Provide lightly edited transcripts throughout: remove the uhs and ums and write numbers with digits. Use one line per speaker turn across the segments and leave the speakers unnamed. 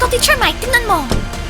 Eto, Teacher Mike, tingnan mo.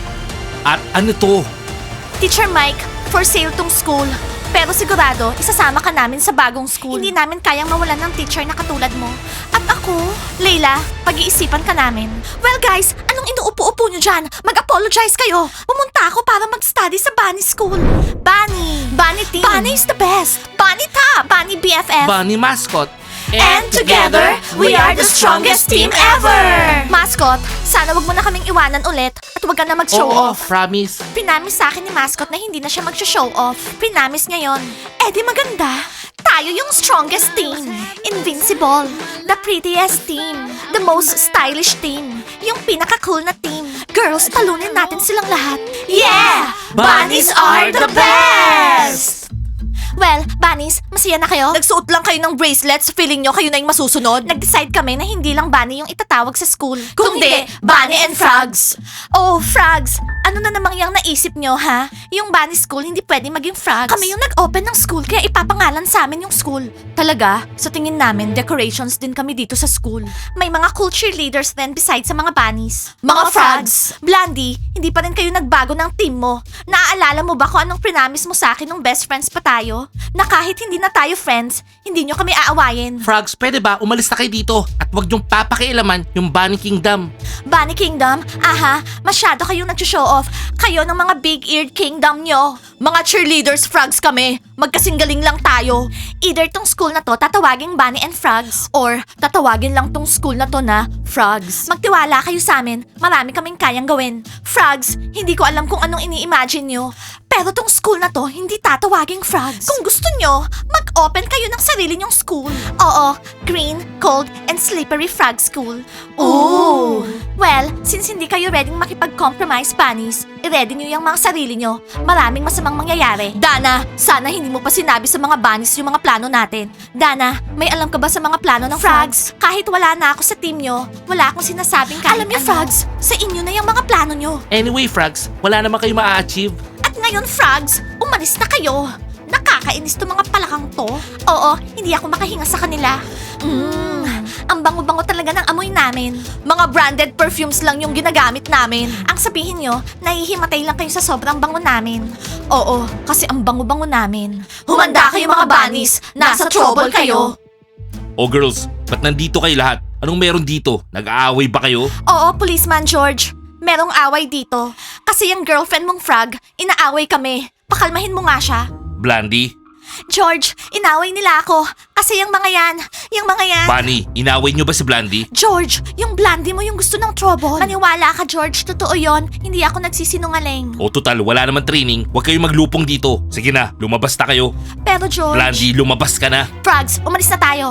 At ano to?
Teacher Mike, for sale tong school. Pero sigurado, isasama ka namin sa bagong school. Hindi namin kayang mawalan ng teacher na katulad mo. At ako, Layla, pag-iisipan ka namin. Well guys, anong inuupo-upo nyo dyan? Mag-apologize kayo. Pumunta ako para mag-study sa Bunny School. Bunny! Bunny team! Bunny is the best! Bunny top! Bunny BFF!
Bunny mascot.
And together, we are the strongest team ever! Mascot, sana wag mo na kaming iwanan ulit at wag ka na mag-show
Oo,
off.
promise.
Pinamis sa akin ni Mascot na hindi na siya mag-show off. Pinamis niya yon. Eh di maganda. Tayo yung strongest team. Invincible. The prettiest team. The most stylish team. Yung pinaka-cool na team. Girls, talunin natin silang lahat. Yeah! Bunnies are the best! Well, Bunnies, masaya na kayo? Nagsuot lang kayo ng bracelets, feeling nyo kayo na yung masusunod? Nag-decide kami na hindi lang Bunny yung itatawag sa school. Kundi, Bunny and Frogs. Oh, Frogs! Ano na namang yung naisip nyo, ha? Yung Bunny School hindi pwede maging Frogs. Kami yung nag-open ng school, kaya ipapangalan sa amin yung school. Talaga? Sa tingin namin, decorations din kami dito sa school. May mga cool cheerleaders din besides sa mga Bunnies. Mga Frogs! Blondie, hindi pa rin kayo nagbago ng team mo. Naaalala mo ba kung anong prinamis mo sa akin nung best friends pa tayo? Na kahit hindi na tayo friends, hindi nyo kami aawayin.
Frogs, pwede ba umalis na kayo dito at wag niyong papakialaman yung Bunny Kingdom?
Bunny Kingdom? Aha, masyado kayong nag-show off. Kayo ng mga big-eared kingdom nyo. Mga cheerleaders, Frogs kami. Magkasinggaling lang tayo. Either tong school na to tatawagin Bunny and Frogs or tatawagin lang tong school na to na Frogs. Magtiwala kayo sa amin. Marami kaming kayang gawin. Frogs, hindi ko alam kung anong ini-imagine nyo. Pero tong school na to, hindi tatawaging Frogs. Kung gusto nyo, mag-open kayo ng sarili nyong school. Oo, Green, Cold, and Slippery Frog School. Ooh! Well, since hindi kayo ready makipag-compromise, Bunnies, i-ready nyo yung mga sarili nyo. Maraming masamang mangyayari. Dana, sana hindi mo pa sinabi sa mga Bunnies yung mga plano natin. Dana, may alam ka ba sa mga plano ng Frogs? Kahit wala na ako sa team nyo, wala akong sinasabing kahit alam nyo, Frogs, sa inyo na yung mga plano nyo.
Anyway, Frogs, wala naman kayo ma-achieve.
At ngayon, Frogs, umalis na kayo. Nakakainis to mga palakang to. Oo, hindi ako makahinga sa kanila. Ang bango-bango talaga ng amoy namin. Mga branded perfumes lang yung ginagamit namin. Ang sabihin nyo, nahihimatay lang kayo sa sobrang bango namin. Oo, kasi ang bango-bango namin. Humanda kayo mga bunnies! Nasa trouble kayo!
Oh girls, ba't nandito kayo lahat? Anong meron dito? Nag-aaway ba kayo?
Oo, Policeman George. Merong away dito. Kasi yung girlfriend mong Frog, inaaway kami. Pakalmahin mo nga siya.
Blandy?
George, inaway nila ako. Kasi yung mga yan.
Bunny, inaway nyo ba si Blandy?
George, yung Blandy mo yung gusto ng trouble. Maniwala ka, George. Totoo yon. Hindi ako nagsisinungaling.
O total, wala naman training. Huwag kayong maglupong dito. Sige na, lumabas na kayo.
Pero George...
Blandy, lumabas ka na.
Frogs, umalis na tayo.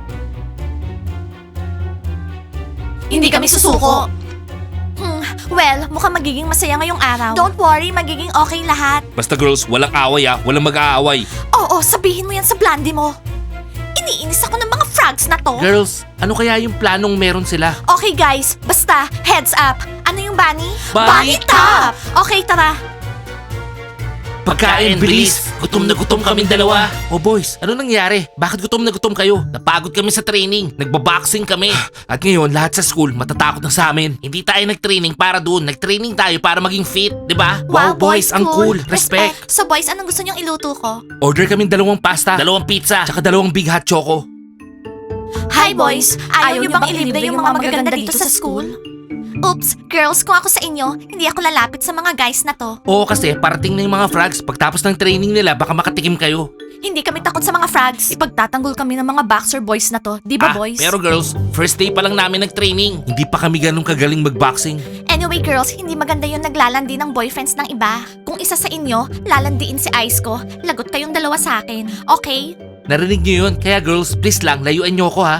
Hindi kami susuko. Well, mukhang magiging masaya ngayong araw. Don't worry, magiging okay lahat.
Basta girls, walang away walang mag-aaway.
Oo, sabihin mo yan sa Blandy mo. Iniinis ako ng mga frogs na to.
Girls, ano kaya yung planong meron sila?
Okay guys, basta, heads up. Ano yung bunny?
Bunny
top! Okay, tara.
Pagkain, bilis! Gutom na gutom kaming dalawa. Oh boys, ano nangyari? Bakit gutom na gutom kayo? Napagod kami sa training. Nagbaboxing kami. At ngayon, lahat sa school matatakot na sa amin. Hindi tayo nag-training para doon. Nag-training tayo para maging fit, di ba? Wow, boys, ang cool. Respect.
So boys, anong gusto niyong iluto ko?
Order kaming 2 pasta, 2 pizza, tsaka 2 big hot choco.
Hi boys, ayaw niyo bang ilibre yung mga magaganda dito sa school? Oops, girls, kung ako sa inyo, hindi ako lalapit sa mga guys na to.
Oo, kasi parating na yung mga frogs. Pagtapos ng training nila, baka makatikim kayo.
Hindi kami takot sa mga frogs. Ipagtatanggol kami ng mga boxer boys na to. Di ba, boys?
Pero girls, first day pa lang namin nag-training. Hindi pa kami ganun kagaling mag-boxing.
Anyway, girls, hindi maganda yung naglalandi ng boyfriends ng iba. Kung isa sa inyo, lalandiin si Ice ko, lagot kayong dalawa sa akin. Okay?
Narinig niyo yun? Kaya girls, please lang, layuan niyo ako ha.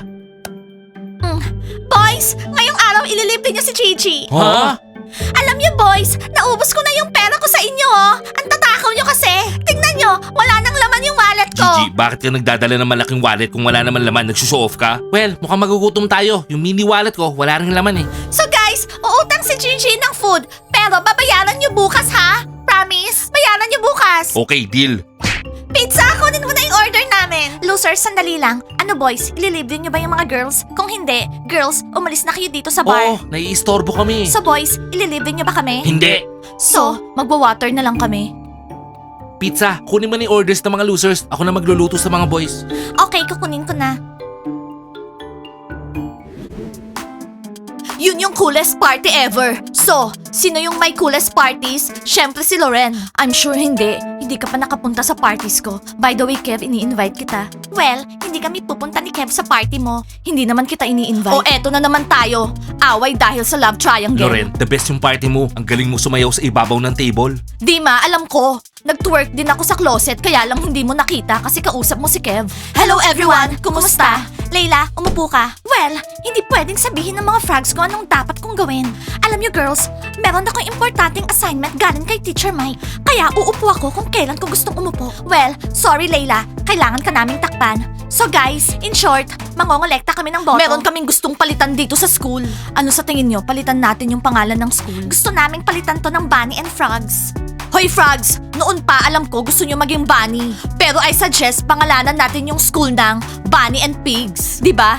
Boys, ngayong araw ililibre niyo si Gigi.
Ha?
Alam niyo boys, naubos ko na yung pera ko sa inyo oh. Ang tatakaw niyo kasi. Tingnan niyo, wala nang laman yung wallet ko.
Gigi, bakit ka nagdadala ng malaking wallet kung wala naman laman? Nagsushow off ka? Well, mukhang magugutom tayo. Yung mini wallet ko, wala rin laman eh.
So guys, uutang si Gigi ng food. Pero babayaran niyo bukas ha? Promise? Bayaran niyo bukas.
Okay, deal.
Pizza, kunin mo na yung order namin. namin. Losers, sandali lang. Ano boys, ililibre nyo ba yung mga girls? Kung hindi, girls, umalis na kayo dito sa bar.
Oo, naiistorbo kami.
So boys, ililibre nyo ba kami?
Hindi.
So, magwa-water na lang kami.
Pizza, kunin mo ni orders ng mga losers. Ako na magluluto sa mga boys.
Okay, kukunin ko na. Yun yung coolest party ever. So, sino yung may coolest parties? Syempre si Loren. I'm sure hindi. Hindi ka pa nakapunta sa parties ko. By the way, Kev, ini-invite kita. Well, hindi kami pupunta ni Kev sa party mo. Hindi naman kita ini-invite. O eto na naman tayo. Away dahil sa love triangle.
Loren, the best yung party mo. Ang galing mo sumayaw sa ibabaw ng table.
Dima, alam ko. Nag-twerk din ako sa closet kaya lang hindi mo nakita kasi kausap mo si Kev. Hello everyone! Kumusta? Layla, umupo ka. Well, hindi pwedeng sabihin ng mga frogs ko anong dapat kong gawin. Alam niyo girls, meron akong importanteng assignment galing kay Teacher Mike. Kaya uupo ako kung kailan ko gustong umupo. Well, sorry Layla, kailangan ka naming takpan. So guys, in short, mangongolekta kami ng boto. Meron kaming gustong palitan dito sa school. Ano sa tingin nyo, palitan natin yung pangalan ng school? Gusto naming palitan to ng Bunny and Frogs. Hoy Frogs, noon pa alam ko gusto nyo maging bunny. Pero I suggest pangalanan natin yung school ng Bunny and Pigs. Di ba?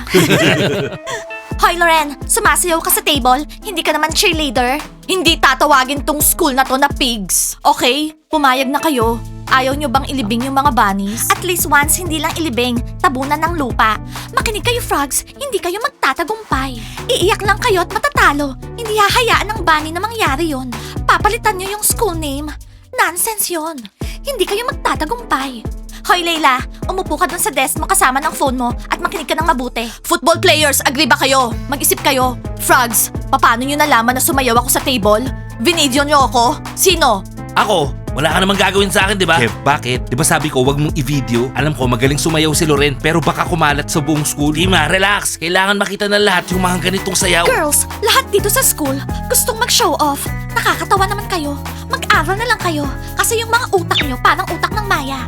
Hoy Loren, sumasayaw ka sa table? Hindi ka naman cheerleader? Hindi tatawagin tong school na to na pigs. Okay? Pumayag na kayo. Ayaw nyo bang ilibing yung mga bunnies? At least once, hindi lang ilibing, tabunan ng lupa. Makinig kayo, frogs, hindi kayo magtatagumpay. Iiyak lang kayo at matatalo. Hindi hahayaan ng bunny na mangyari yon. Papalitan nyo yung school name. Nonsense yon. Hindi kayo magtatagumpay. Hoy Layla, umupo ka dun sa desk mo kasama ng phone mo at makinig ka ng mabuti. Football players, agree ba kayo? Mag-isip kayo. Frogs, paano nyo nalaman na sumayaw ako sa table? Vinidyo nyo ako? Sino?
Ako? Wala ka namang gagawin sa akin, di ba? Kev, bakit? Di ba sabi ko wag mong i-video? Alam ko magaling sumayaw si Loren pero baka kumalat sa buong school. Dima, relax. Kailangan makita ng lahat yung mga ganitong sayaw.
Girls, lahat dito sa school gustong mag-show off. Nakakatawa naman kayo. Mag-aral na lang kayo kasi yung mga utak nyo parang utak ng maya.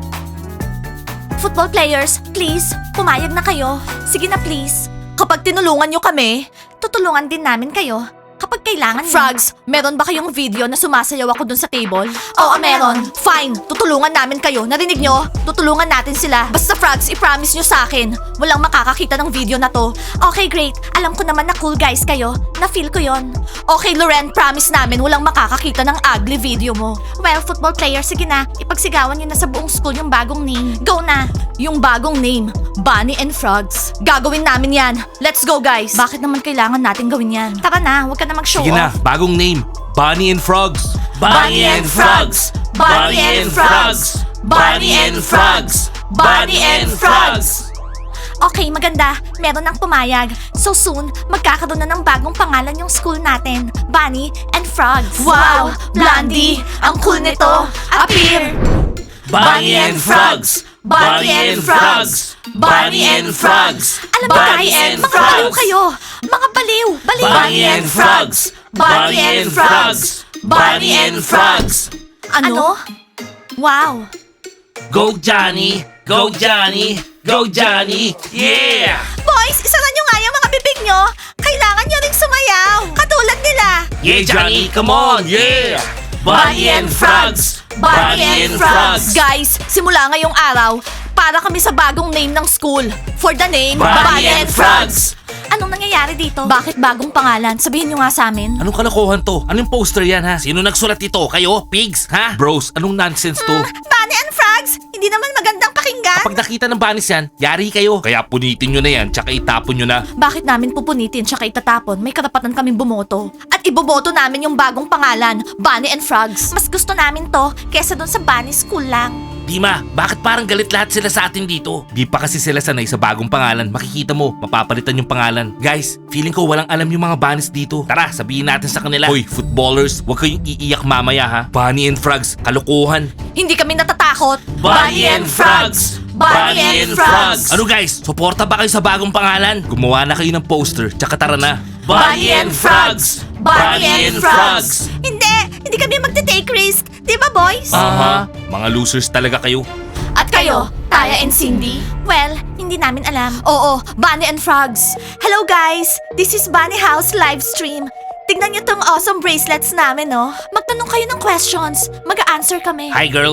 Football players, please, pumayag na kayo. Sige na please. Kapag tinulungan nyo kami, tutulungan din namin kayo. Kapag kailangan nyo. Frogs, meron ba kayong video na sumasayaw ako dun sa table? Oo, meron. Fine, tutulungan namin kayo. Narinig nyo? Tutulungan natin sila. Basta Frogs, i-promise nyo sa akin. Walang makakakita ng video na to. Okay, great. Alam ko naman na cool guys kayo. Na-feel ko yon. Okay, Loren, promise namin walang makakakita ng ugly video mo. Well, football player, sige na. Ipagsigawan nyo na sa buong school yung bagong name. Go na! Yung bagong name, Bunny and Frogs. Gagawin namin yan. Let's go, guys. Bakit naman kailangan natin gawin yan? Tara na, huwag ka na mag-show
Sige na,
off.
bagong name. Bunny and Frogs.
Bunny and Frogs! Bunny and Frogs! Bunny and Frogs! Bunny and Frogs! Okay, maganda. Meron ng pumayag. So soon, magkakaroon na ng bagong pangalan yung school natin. Bunny and Frogs. Wow! Blondie! Ang cool nito! Appear!
Bunny and Frogs!
Bunny and Frogs! Bunny and Frogs! Alam mo
Bunny
guys,
and
mga baliw
Frogs!
kayo! Mga baliw! Baliw!
Bunny and Frogs!
Bunny and Frogs!
Bunny and Frogs!
Ano? Wow!
Go Johnny! Go Johnny! Go Johnny! Yeah!
Boys, isara nyo nga yung mga bibig nyo. Kailangan nyo rin sumayaw. Katulad nila.
Yeah, Johnny! Come on! Yeah! Bunny and Frogs! Bunny and Frogs!
Guys, simula ngayong araw, para kami sa bagong name ng school. For the name,
Bunny and Frogs!
Anong nangyayari dito? Bakit bagong pangalan? Sabihin nyo nga sa amin.
Anong kalokohan to? Anong poster yan ha? Sino nagsulat ito? Kayo? Pigs? Ha? Bros, anong nonsense to?
Bunny and Frogs, hindi naman magandang pakinggan.
Kapag nakita ng banis yan, yari kayo. Kaya punitin nyo na yan, tsaka itapon nyo na.
Bakit namin pupunitin tsaka itatapon? May karapatan kaming bumoto. At iboboto namin yung bagong pangalan, Bunny and Frogs. Mas gusto namin to kesa dun sa Bunny School lang.
Dima, bakit parang galit lahat sila sa atin dito? Di pa kasi sila sanay sa bagong pangalan. Makikita mo, mapapalitan yung pangalan. Guys, feeling ko walang alam yung mga banis dito. Tara, sabihin natin sa kanila. Hoy, footballers, huwag kayong iiyak mamaya ha. Bunny and Frogs, kalokohan.
Hindi kami natatakot.
Bunny and Frogs!
Bunny and Frogs!
Ano guys, suporta ba kayo sa bagong pangalan? Gumawa na kayo ng poster, tsaka tara na.
Bunny and Frogs! Bunny and Frogs! Hindi kami magte-take risk. Di ba, boys?
Aha, mga losers talaga kayo.
At kayo, Taya and Cindy? Well, hindi namin alam. Oo, Bunny and Frogs. Hello guys! This is Bunny House live stream. Tignan niyo tong awesome bracelets namin, no? Magtanong kayo ng questions. Mag-a-answer kami.
Hi girls.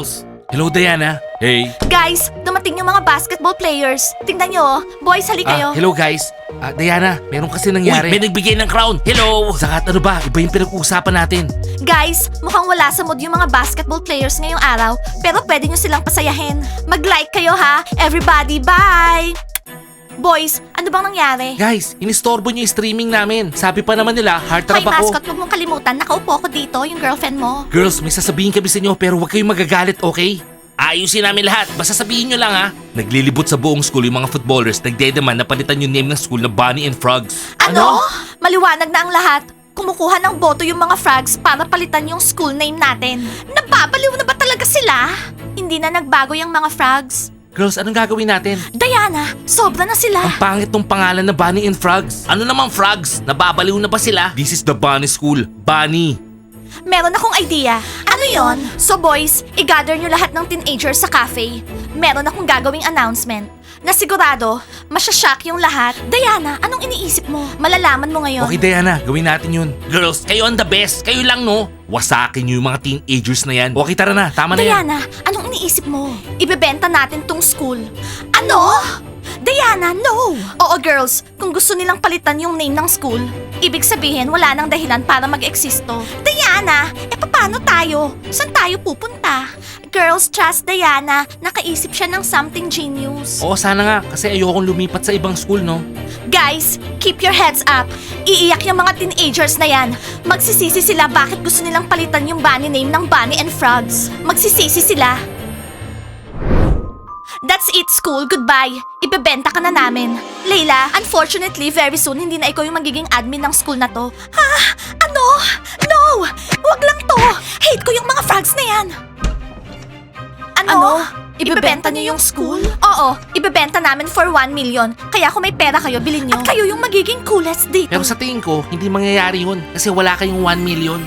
Hello, Diana. Hey.
Guys, dumating yung mga basketball players. Tingnan nyo, oh. Boys, hali kayo.
Hello, guys. Diana, meron kasi nangyari. Uy, may nagbigay ng crown. Hello! Sakat ano ba? Iba yung pinag-uusapan natin.
Guys, mukhang wala sa mood yung mga basketball players ngayong araw, pero pwede nyo silang pasayahin. Mag-like kayo ha. Everybody, bye! Boys, ano bang nangyari?
Guys, inistorbo niyo yung streaming namin. Sabi pa naman nila,
Hoy
heartthrob ako.
mascot, huwag mong kalimutan, nakaupo ko dito, yung girlfriend mo.
Girls, may sasabihin kami sa inyo pero huwag kayong magagalit, okay? Ayusin namin lahat. Basta sabihin nyo lang ha. Naglilibot sa buong school yung mga footballers. Nagdedeman na palitan yung name ng school na Bunny and Frogs.
Ano? Maliwanag na ang lahat. Kumukuha ng boto yung mga frogs para palitan yung school name natin. Nababaliw na ba talaga sila? Hindi na nagbago yung mga frogs.
Girls, anong gagawin natin?
Diana, sobra na sila.
Ang pangit tong pangalan na Bunny and Frogs. Ano namang Frogs? Nababaliw na ba sila? This is the Bunny School. Bunny.
Meron akong idea. Ano yon? So boys, i-gather nyo lahat ng teenagers sa cafe. Meron akong gagawing announcement na sigurado, masyashock yung lahat. Diana, anong iniisip mo? Malalaman mo ngayon.
Okay, Diana, gawin natin yun. Girls, kayo ang the best. Kayo lang, no? Wasakin nyo yung mga teenagers na yan. Okay, tara na. Tama na yan.
Diana, anong iniisip mo? Ibebenta natin tong school. Ano? Diana, no! Oo girls, kung gusto nilang palitan yung name ng school, ibig sabihin wala nang dahilan para mag-eksisto. Diana, paano tayo? Saan tayo pupunta? Girls, trust Diana. Nakaisip siya ng something genius.
Oo, sana nga. Kasi ayokong lumipat sa ibang school, no?
Guys, keep your heads up. Iiyak yung mga teenagers na yan. Magsisisi sila bakit gusto nilang palitan yung bunny name ng Bunny and Frogs. Magsisisi sila. That's it, school. Goodbye. Ibebenta ka na namin. Layla, unfortunately, very soon, hindi na ikaw yung magiging admin ng school na to. Ha? Ano? No! Wag lang to! Hate ko yung mga frogs na yan! Ano? Ibebenta niyo yung school? Oo, ibebenta namin for 1 million. Kaya kung may pera kayo, bilhin nyo. At kayo yung magiging coolest dito.
Pero sa tingin ko, hindi mangyayari yun. Kasi wala kayong 1 million.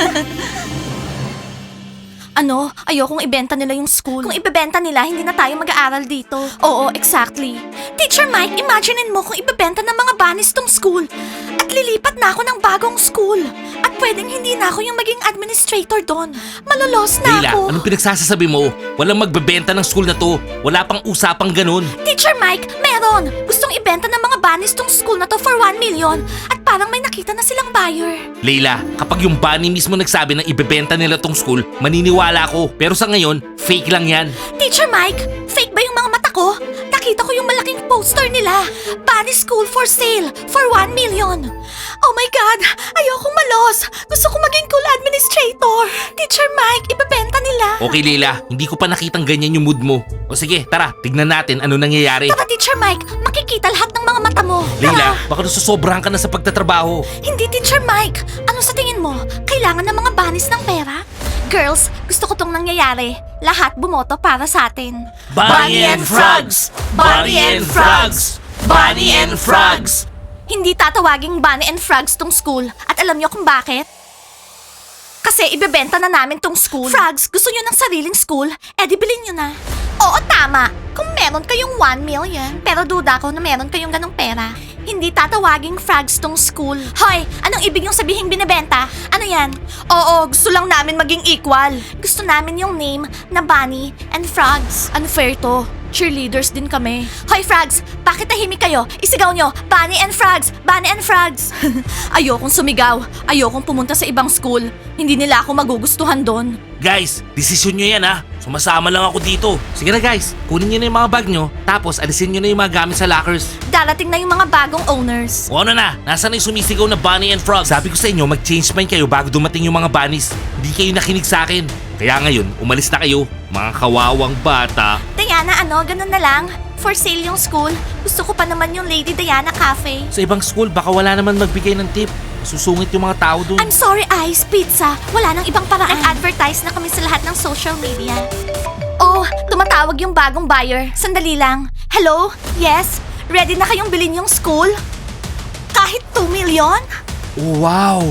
Ano? Ayokong ibenta nila yung school. Kung ibebenta nila, hindi na tayo mag-aaral dito. Oo, exactly. Teacher Mike, imaginein mo kung ibebenta ng mga bunnies tong school. At lilipat na ako ng bagong school. At pwedeng hindi na ako yung maging administrator doon. Malolos na
Leila,
ako.
anong pinagsasabi mo? Walang magbebenta ng school na to. Wala pang usapang ganun.
Teacher Mike, meron. Gustong ibenta ng mga bunnies tong school na to for 1 million. At parang may nakita na silang buyer.
Leila, kapag yung bunny mismo nagsabi na ibebenta nila tong school, maniniwala ako. Pero sa ngayon, fake lang yan.
Teacher Mike, fake ba yung mga mata ko? Nakita ko yung malaking poster nila. Bunny School for sale for 1 million. Oh my God! Ayokong malos! Gusto ko maging cool administrator! Teacher Mike, ibebenta nila.
Okay, Leila, hindi ko pa nakitang ganyan yung mood mo. O sige, tara, tignan natin ano nangyayari.
Tara, Teacher Mike, makikita lahat ng mga mata mo.
Leila,
Tara.
baka nasusobrahan ka na sa pagtatrabaho.
Hindi, Teacher Mike. Ano sa tingin mo? Kailangan ng mga bunnies ng pera? Girls, gusto ko tong nangyayari. Lahat bumoto para sa atin.
Bunny and Frogs! Bunny and Frogs! Bunny and Frogs!
Hindi tatawaging Bunny and Frogs tong school. At alam niyo kung bakit? Kasi ibebenta na namin tong school. Frogs, gusto niyo ng sariling school? Eh di bilhin niyo na. Oo, tama. Kung meron kayong 1 million. Pero duda ko na meron kayong ganong pera. Hindi tatawaging Frogs tong school. Hoy, anong ibig yung sabihing binibenta? Ano yan? Oo, gusto lang namin maging equal. Gusto namin yung name na Bunny and Frogs. Unfair to. Cheerleaders din kami. Hoy, Frogs! Bakit tahimik kayo? Isigaw nyo, Bunny and Frogs! Bunny and Frogs! Ayokong sumigaw. Ayokong pumunta sa ibang school. Hindi nila ako magugustuhan doon.
Guys, desisyon nyo yan ha. Sumasama lang ako dito. Sige na guys, kunin nyo na yung mga bag nyo, tapos alisin nyo na yung mga gamit sa lockers.
Darating na yung mga bagong owners.
O ano na, nasa na yung sumisigaw na Bunny and Frogs? Sabi ko sa inyo, mag-change mind kayo bago dumating yung mga bunnies. Hindi kayo nakinig sa akin. Kaya ngayon, umalis na kayo, mga kawawang bata.
Diana, ganun na lang. For sale yung school. Gusto ko pa naman yung Lady Diana Cafe.
Sa ibang school, baka wala naman magbigay ng tip. Susungit yung mga tao dun.
I'm sorry, Ice Pizza. Wala nang ibang paraan. Nag-advertise na kami sa lahat ng social media. Oh, tumatawag yung bagong buyer. Sandali lang. Hello? Yes? Ready na kayong bilhin yung school? Kahit 2 million?
Oh, wow!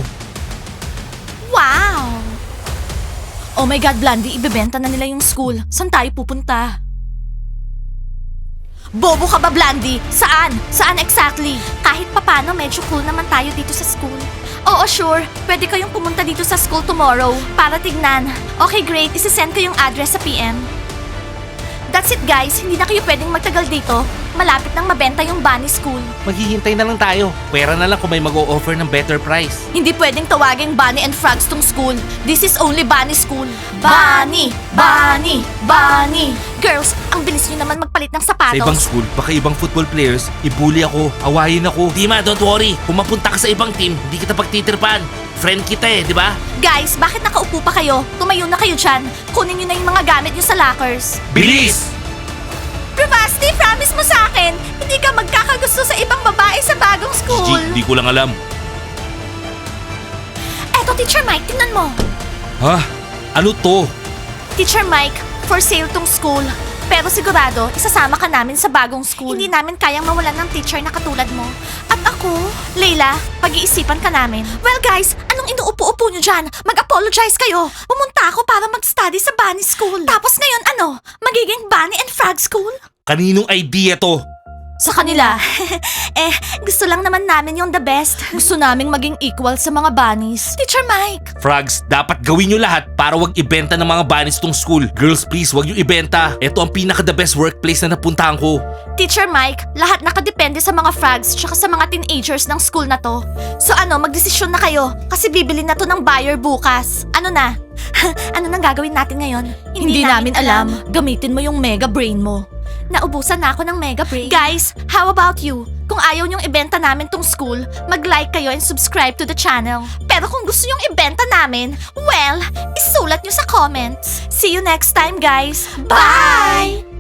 Wow! Oh my God, Blandy, ibebenta na nila yung school. Saan tayo pupunta? Bobo ka ba, Blandy? Saan? Saan exactly? Kahit papano, medyo cool naman tayo dito sa school. Oo, sure. Pwede kayong pumunta dito sa school tomorrow para tignan. Okay, great. Isisend ko yung address sa PM. That's it, guys. Hindi na kayo pwedeng magtagal dito. Malapit nang mabenta yung Bunny School.
Maghihintay na lang tayo. Pwera na lang kung may mag-o-offer ng better price.
Hindi pwedeng tawaging Bunny and Frogs tong school. This is only Bunny School. Bunny! Bunny! Bunny! Girls, ang bilis nyo naman magpalit ng
Sa
sapatos.
ibang school, baka ibang football players, ibuli ako, awayin ako. Dima, don't worry. Kung mapunta ka sa ibang team, hindi kita pagtitirpan. Friend kita di ba?
Guys, bakit nakaupo pa kayo? Tumayo na kayo dyan. Kunin nyo na yung mga gamit nyo sa lockers.
Bilis!
Bravasti, promise mo sa akin, hindi ka magkakagusto sa ibang babae sa bagong school.
Hindi ko lang alam.
Eto, Teacher Mike, tingnan mo.
Ha? Ano to?
Teacher Mike, for sale tong school. Pero sigurado, isasama ka namin sa bagong school. Hindi namin kayang mawalan ng teacher na katulad mo. At ako, Leila, pag-iisipan ka namin. Well guys, anong inuupo-upo nyo dyan? Mag-apologize kayo. Pumunta ako para mag-study sa Bunny School. Tapos ngayon ano? Magiging Bunny and Frog School?
Kaninong idea to?
Sa kanila. Gusto lang naman namin yung the best. Gusto naming maging equal sa mga bunnies. Teacher Mike!
Frogs, dapat gawin nyo lahat para wag ibenta ng mga bunnies tong school. Girls, please, wag nyo ibenta. Ito ang pinaka-the best workplace na napuntahan ko.
Teacher Mike, lahat nakadepende sa mga frogs tsaka sa mga teenagers ng school na to. So ano, magdesisyon na kayo kasi bibili na to ng buyer bukas. Ano na? Ano nang gagawin natin ngayon? Hindi namin alam. Gamitin mo yung mega brain mo. Naubusan na ako ng mega brain. Guys, how about you? Kung ayaw niyong ibenta namin tong school, mag-like kayo and subscribe to the channel. Pero kung gusto niyong ibenta namin, well, isulat niyo sa comments. See you next time, guys. Bye!